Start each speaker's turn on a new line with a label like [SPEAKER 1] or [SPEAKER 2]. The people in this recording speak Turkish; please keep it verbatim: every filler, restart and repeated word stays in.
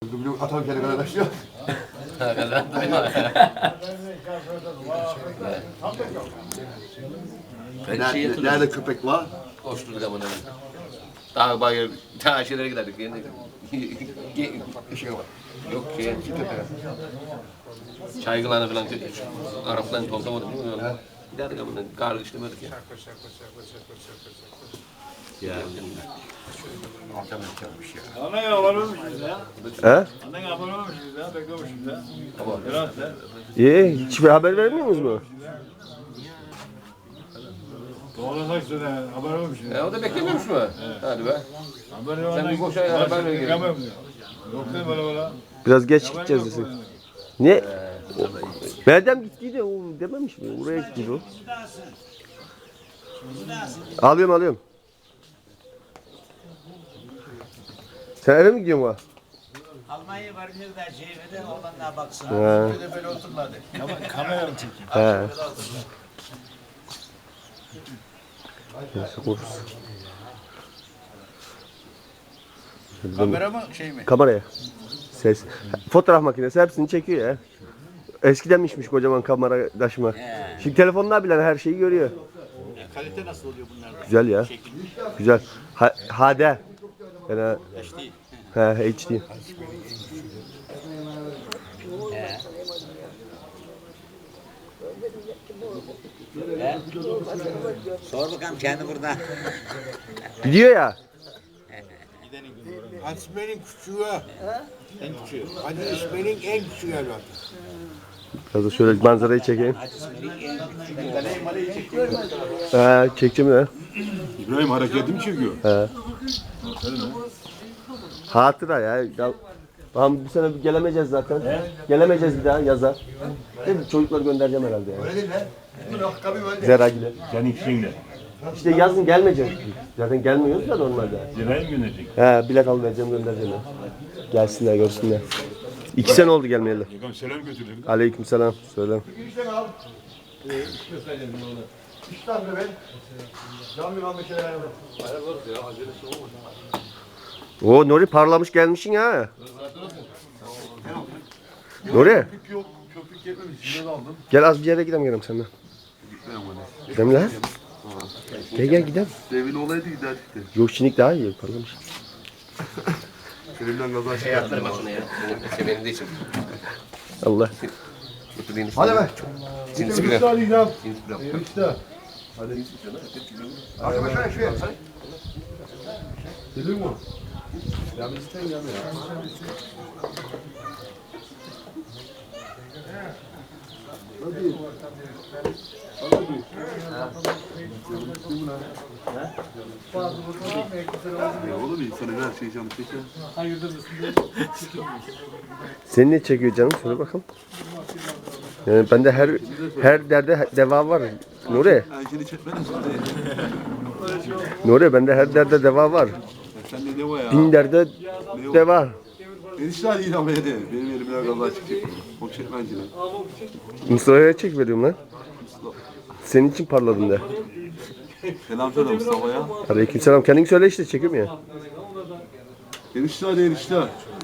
[SPEAKER 1] Atam kendi kadar taşıyor. Nerede, nerede köpek var?
[SPEAKER 2] Koşturduk ama neden? Dağ bayır, dağ şeylere giderdik. Yani, şey var. Yok şey, çaygılarına falan, Arapların toplamadık değil mi? Giderdik ama kar işlemedik ya.
[SPEAKER 1] Ya. Atam yapmış ya.
[SPEAKER 3] Ana ya varmışız ya.
[SPEAKER 4] He?
[SPEAKER 3] Annen abone ya, beklemişiz ya.
[SPEAKER 2] Tamam.
[SPEAKER 3] Biraz da.
[SPEAKER 4] İyi, hiçbir haber vermiyor musunuz mu?
[SPEAKER 3] Doğru saçlı da haber olmuşuz.
[SPEAKER 2] E, o da beklemiyormuş mu? Hadi be.
[SPEAKER 3] Haber
[SPEAKER 2] Sen bir boş ay haber ver geri.
[SPEAKER 3] Yok değil böyle böyle.
[SPEAKER 4] Biraz geç gideceğiz desin. Ne? Meryem gittiydi, o dememiş mi? Oraya gittiydi o. Alıyorum alıyorum. Sen eve mi gidiyorsun bu?
[SPEAKER 5] Almanya varınca da şehirde olanlar baksın.
[SPEAKER 4] He.
[SPEAKER 2] Böyle böyle oturmadı.
[SPEAKER 3] Kamera mı çekiyor?
[SPEAKER 4] He. Neyse koruruz.
[SPEAKER 3] Kamera mı şey mi?
[SPEAKER 4] Kameraya. Ses. Fotoğraf makinesi hepsini çekiyor ya. Eskidenmişmiş kocaman kamera taşıma. Şimdi telefonlar bile her şeyi görüyor.
[SPEAKER 3] Kalite nasıl oluyor bunlar?
[SPEAKER 4] Güzel ya. Güzel. Ha, H D. Yani He, H D.
[SPEAKER 5] Sor bakalım kendi burada.
[SPEAKER 4] Gidiyor ya.
[SPEAKER 6] Asmen'in küçüğü. En küçüğü. Hadi İsmail'in en küçüğü evladı.
[SPEAKER 4] Biraz da şöyle manzarayı çekeyim. He, çekeceğim ya.
[SPEAKER 1] İbrahim hareketimi çekiyor.
[SPEAKER 4] He. Hatıra ya. ya. Tamam bu sene gelemeyeceğiz zaten. Gelemeyeceğiz bir daha yaza. Değil mi? Çocukları göndereceğim herhalde yani.
[SPEAKER 1] Öyle değil mi?
[SPEAKER 4] Zeragil'e.
[SPEAKER 3] Senin ikisini de.
[SPEAKER 4] İşte yazın gelmeyeceğiz. Zaten gelmiyoruz da normalde.
[SPEAKER 3] Zirayı mı gönderecek?
[SPEAKER 4] He, bilet al vereceğim göndereceğim. ya. Gelsinler görsünler. İki sene oldu gelmeyeli.
[SPEAKER 3] Yakam selam götürdüm.
[SPEAKER 4] Aleykümselam. Söyle.
[SPEAKER 1] İşte al. İşte abi ben. Cam yılan bir şeyler yapalım.
[SPEAKER 4] Oo Nuri parlamış gelmişsin ya. Nuri
[SPEAKER 1] Köpük yok. Köpük yetmemiş. Yine aldım.
[SPEAKER 4] gel az bir yere gidelim gidelim seninle. Gidelim lan. Gel gel gidelim.
[SPEAKER 1] Devin olaydı giderdik de.
[SPEAKER 4] Yok şimdi daha iyi parlamış.
[SPEAKER 1] Seninle gaza
[SPEAKER 2] Şey yaptırma şunu ya. Senin, senin de için.
[SPEAKER 4] Allah.
[SPEAKER 2] Oturayım.
[SPEAKER 1] Hadi be.
[SPEAKER 2] Cinsi bile.
[SPEAKER 1] Hadi alacağım.
[SPEAKER 2] Cinsi bile.
[SPEAKER 1] Enişte.
[SPEAKER 2] Hadi.
[SPEAKER 1] Hadi başla şuraya. Gelir mi? Ya biz isten gelme ya. Hadi. Hadi. Ya oğlum insanın her şeyi canı çeker.
[SPEAKER 4] Seni ne çekiyor canım? Söyle bakalım. Yani bende her her derde deva var. Nuri.
[SPEAKER 1] Ben seni çekmedim.
[SPEAKER 4] Nuri bende her derde deva var.
[SPEAKER 1] Sen de ne var ya?
[SPEAKER 4] Bin derde deva.
[SPEAKER 1] Enişte hadi ilham ede. Benim elimden gaza çıkacak. O çekmenciler.
[SPEAKER 4] Mustafa'ya çek veriyorum lan. Senin için parladım de.
[SPEAKER 1] Selam söyle Mustafa'ya.
[SPEAKER 4] Aleykümselam. Kendin söyle işte çekiyorum ya.
[SPEAKER 1] Enişte hadi enişte.